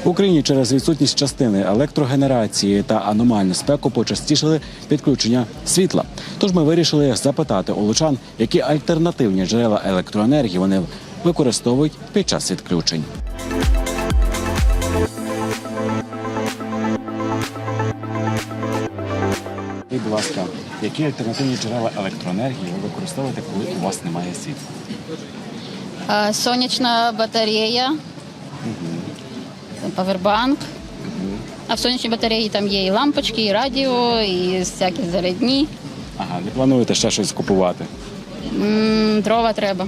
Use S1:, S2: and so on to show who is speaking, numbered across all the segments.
S1: В Україні через відсутність частини електрогенерації та аномальну спеку почастішили підключення світла. Тож ми вирішили запитати у лучан, які альтернативні джерела електроенергії вони використовують під час відключень. І, будь ласка, які альтернативні джерела електроенергії ви використовуєте, коли у вас немає світла?
S2: Сонячна батарея, павербанк. А в сонячній батареї там є і лампочки, і радіо, і всякі зарядні.
S1: Ага, не плануєте ще щось купувати?
S2: Дрова треба.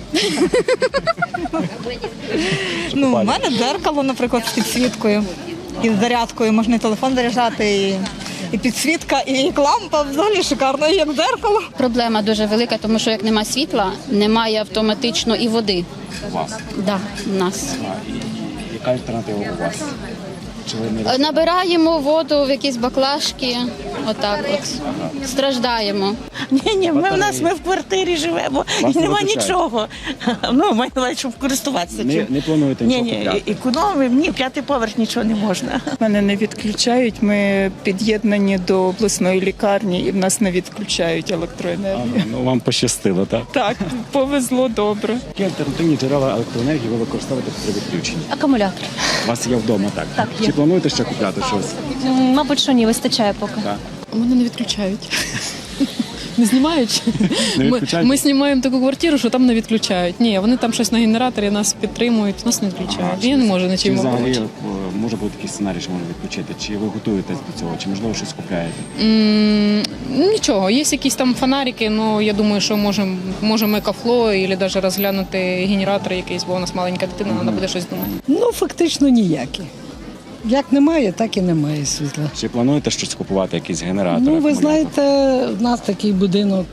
S3: У мене дзеркало, наприклад, з підсвіткою і з зарядкою. Можна і телефон заряджати, і підсвітка, і лампа. Взагалі шикарно, як дзеркало.
S2: Проблема дуже велика, тому що як немає світла, немає автоматично і води.
S1: У вас?
S2: Да, у нас.
S1: І яка альтернатива у вас? Чи ви не
S2: Набираємо воду в якісь баклажки, отак от. Страждаємо.
S4: Ні, ми в квартирі живемо
S1: Вас
S4: і
S1: не
S4: нема
S1: виключають?
S4: нічого. Маю на увазі, щоб користуватися цим.
S1: не плануєте нічого
S4: Ні,
S1: купляти?
S4: економимо, ні, п'ятий поверх нічого не можна.
S5: Мене не відключають, ми під'єднані до обласної лікарні і в нас не відключають електроенергію.
S1: Ну, вам пощастило, так?
S5: Так, повезло добре.
S1: Які альтернативні джерела електроенергії ви використовуєте при відключенні?
S6: Акумулятор.
S1: У вас є вдома, так?
S6: Так, є.
S1: Чи плануєте ще купляти щось?
S6: Мабуть, що ні, вистачає поки.
S1: Так.
S7: Мене не відключають. Не знімають?
S1: Не відключають?
S7: Ми знімаємо таку квартиру, що там не відключають. Ні, вони там щось на генераторі, нас підтримують, нас не відключають. Я не можу
S1: Чи
S7: нічим
S1: взагалі
S7: допомогти.
S1: може бути такий сценарій, що можна відключити? Чи ви готуєтесь до цього? Чи можливо щось купляєте?
S7: Нічого, є якісь там фонарики, але я думаю, що можемо екофло, або навіть розглянути генератор якийсь, бо у нас маленька дитина, треба буде щось думати.
S8: Ну, фактично ніякі. Як немає, так і немає світла.
S1: Чи плануєте щось купувати, якісь генератори?
S8: Ну, ви
S1: акумулятори?
S8: знаєте, в нас такий будинок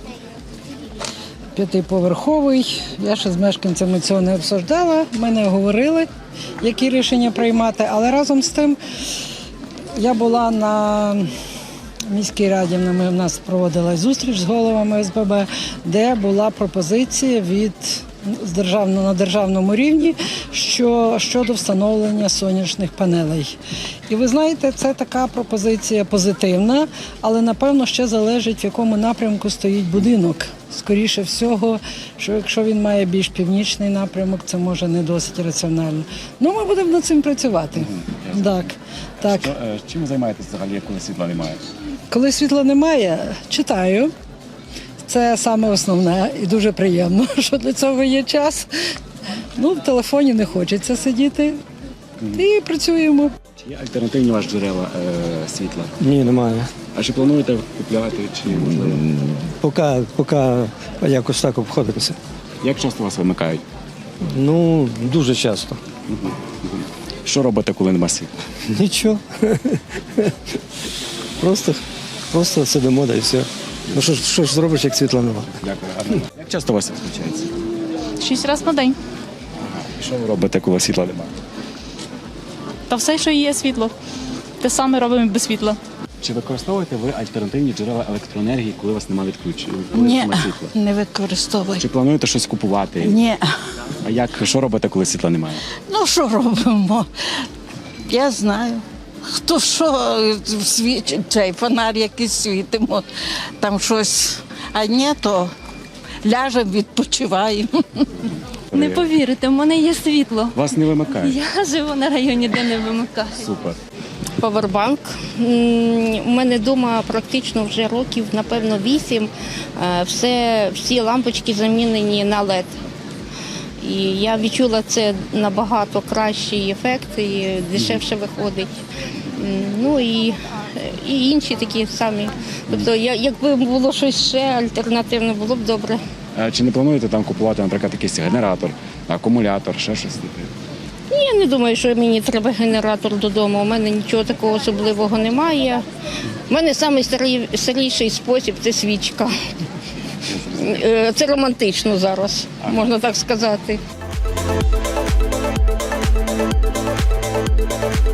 S8: п'ятиповерховий. Я ще з мешканцями цього не обсуждала. Ми не говорили, які рішення приймати. Але разом з тим я була на міській раді, в нас проводилась зустріч з головами СББ, де була пропозиція на державному рівні щодо встановлення сонячних панелей. І ви знаєте, це така пропозиція позитивна, але напевно ще залежить, в якому напрямку стоїть будинок. Скоріше всього, що якщо він має більш північний напрямок, це може не досить раціонально. Ну, ми будемо над цим працювати. Так.
S1: Чим ви займаєтесь взагалі, коли світла немає?
S8: Коли світла немає, читаю. Це саме основне і дуже приємно, що для цього є час. Ну, в телефоні не хочеться сидіти. І працюємо.
S1: Чи є альтернативні ваші джерела світла?
S9: Ні, немає.
S1: А чи плануєте купляти, чи можливо?
S9: Поки якось так обходимося.
S1: Як часто вас вимикають?
S9: Ну, дуже часто.
S1: Що робите, коли немає світла?
S9: Нічого. Просто сидимо, да і все. Ну що ж зробиш, як світла нема?
S1: Дякую. Як часто у вас відключається?
S6: 6 разів на день.
S1: Що ви робите, коли світла немає?
S6: Та все, що є світло. Те саме робимо без світла.
S1: Чи використовуєте ви альтернативні джерела електроенергії, коли у вас немає відключення?
S4: Ні, не використовую.
S1: Чи плануєте щось купувати?
S4: Ні.
S1: А що робите, коли світла немає?
S4: Ну, що робимо? Я знаю. Хто що цей фонар якийсь світимо, там щось. А ні, то ляжемо, відпочиваємо.
S6: Не повірите, в мене є світло.
S1: Вас не вимикають?
S6: Я живу на районі, де не вимикають.
S1: Супер.
S10: Павербанк. У мене вдома практично вже років, напевно, 8. Всі лампочки замінені на LED. І я відчула це набагато кращий ефект і дешевше виходить. Ну і інші такі самі. Тобто, якби було щось ще альтернативне, було б добре.
S1: А чи не плануєте там купувати, наприклад, якийсь генератор, акумулятор, ще щось таке?
S10: Я не думаю, що мені треба генератор додому. У мене нічого такого особливого немає. У мене найстаріший спосіб – це свічка. Це романтично зараз, можна так сказати.